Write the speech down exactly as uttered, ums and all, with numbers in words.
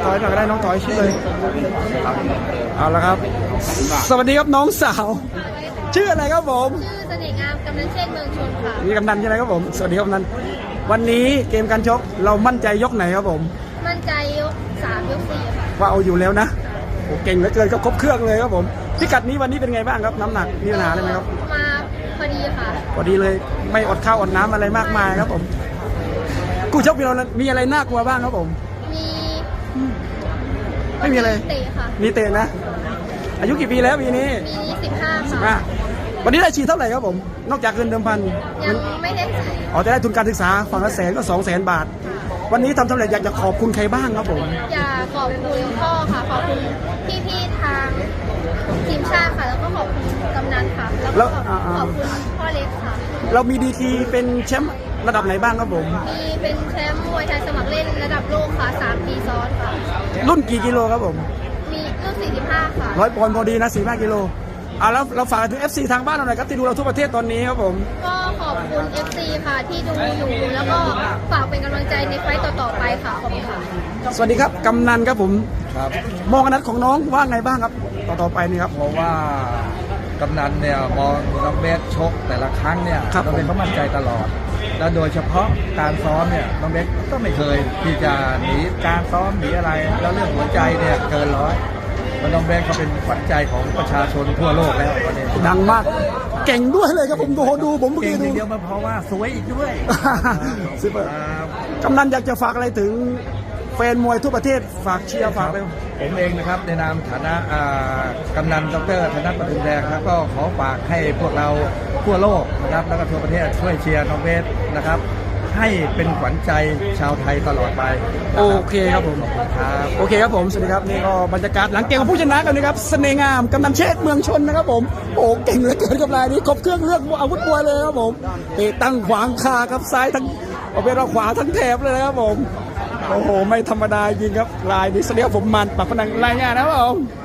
ถอยหน่อยก็ได้น้องถอยชื่อเลยเอาละครับสวัสดีครับน้องสาวชื่ออะไรครับผมชื่อเสน่ห์งามกำนันเชษเมืองชนค่ะนี่กำนันใช่ไหมครับผมสวัสดีครับกำนันวันนี้เกมการชกเรามั่นใจยกไหนครับผมมั่นใจยกสามยกสี่ค่ะว่าเอาอยู่แล้วนะโอ้เก่งเหลือเกินครับครบเครื่องเลยครับผมพิกัดนี้วันนี้เป็นไงบ้างครับน้ำหนักมีปัญหาอะไรไหมครับมาพอดีค่ะพอดีเลยไม่อดข้าวอดน้ำอะไรมากมายครับผมกู้ชกเรามีอะไรน่ากลัวบ้างครับผมมีไม่มีอะไรเตะค่ะมีเตะนะอายุกี่ปีแล้วปีนี้ปีนี้สิบห้าสิบค่ะห้าวันนี้ได้ฉีดเท่าไหร่ครับผมนอกจากเงินเดิมพันยังไม่ได้ใส่อ๋อจะได้ทุนการศึกษาฝั่งละแสนก็สองแสนบาทวันนี้ทำสำเร็จอยากจะขอบคุณใครบ้างครับผมอยากขอบคุณพ่อค่ะขอบคุณพี่ๆทางทีมชาติค่ะแล้วก็ขอบคุณกำนันค่ะแล้วก็ขอบคุณพ่อเล็กค่ะเรามีดีทีเป็นแชมป์ระดับไหนบ้างครับผมมีเป็นแชมป์มวยไทยสมัครเล่นระดับโลกค่ะสามปีซ้อนค่ะรุ่นกี่กิโลครับผมมีรุ่นสี่สิบห้าค่ะร้อยปอนด์พอดีนะสี่สิบห้ากิโลอ่าแล้วเราฝากถึง เอฟ ซี ทางบ้านเราหน่อยครับที่ดูเราทั่วประเทศตอนนี้ครับผมก็ขอบคุณ เอฟ ซี ค่ะที่ดูอยู่แล้วก็ฝากเป็นกำลังใจในไฟต์ต่อๆไปค่ะขอบคุณค่ะสวัสดีครับกำนันครับผมครับมองอนาคตของน้องว่าไงบ้างครับต่อต่อไปนี่ครับเพราะว่ากำนันเนี่ยมองน้องเบสชกแต่ละครั้งเนี่ยน้องเบสเขามั่นใจตลอดและโดยเฉพาะการซ้อมเนี่ยน้องเบสก็ไม่เคยที่จะหนีการซ้อมหนีอะไรแล้วเรื่องหัวใจเนี่ยเกินร้อยน้องเบสเขาเป็นขวัญใจของประชาชนทั่วโลกแล้ววันนี้ดังมากเก่งด้วยเลยครับผมดูดูผมเมื่อกี้ดูเดียวมาเพราะว่าสวยอีกด้วยซุปเปอร์กำนันอยากจะฝากอะไรถึงแฟนมวยทั่วประเทศฝากเชียร์ฝากเลยผมเองนะครับในนามฐานะกำนันดรธนปทุมแดงครับก็ขอฝากให้พวกเราทั่วโลกนะครับแล้วก็ทั่วประเทศช่วยเชียร์น้องเบสนะครับให้เป็นขวัญใจชาวไทยตลอดไปโอเคครับผมครับโอเคครับผมสวัสดีครับนี่ก็บรรยากาศหลังเกมของผู้ชนะกันนะครับเสน่ห์งามกำนันเชษเมืองชนนะครับผมโอ้เก่งเหลือเกินกับรายนี้ครบเครื่องเลือกอาวุธมวยเลยครับผมเตะตั้งขวางคาครับซ้ายทั้งเอาเป็นเราขวาทั้งแถบเลยนะครับผมโอ้โหไม่ธรรมดาจริงครับลายนี้เสียผมมันปากพนังรายงานนะครับผม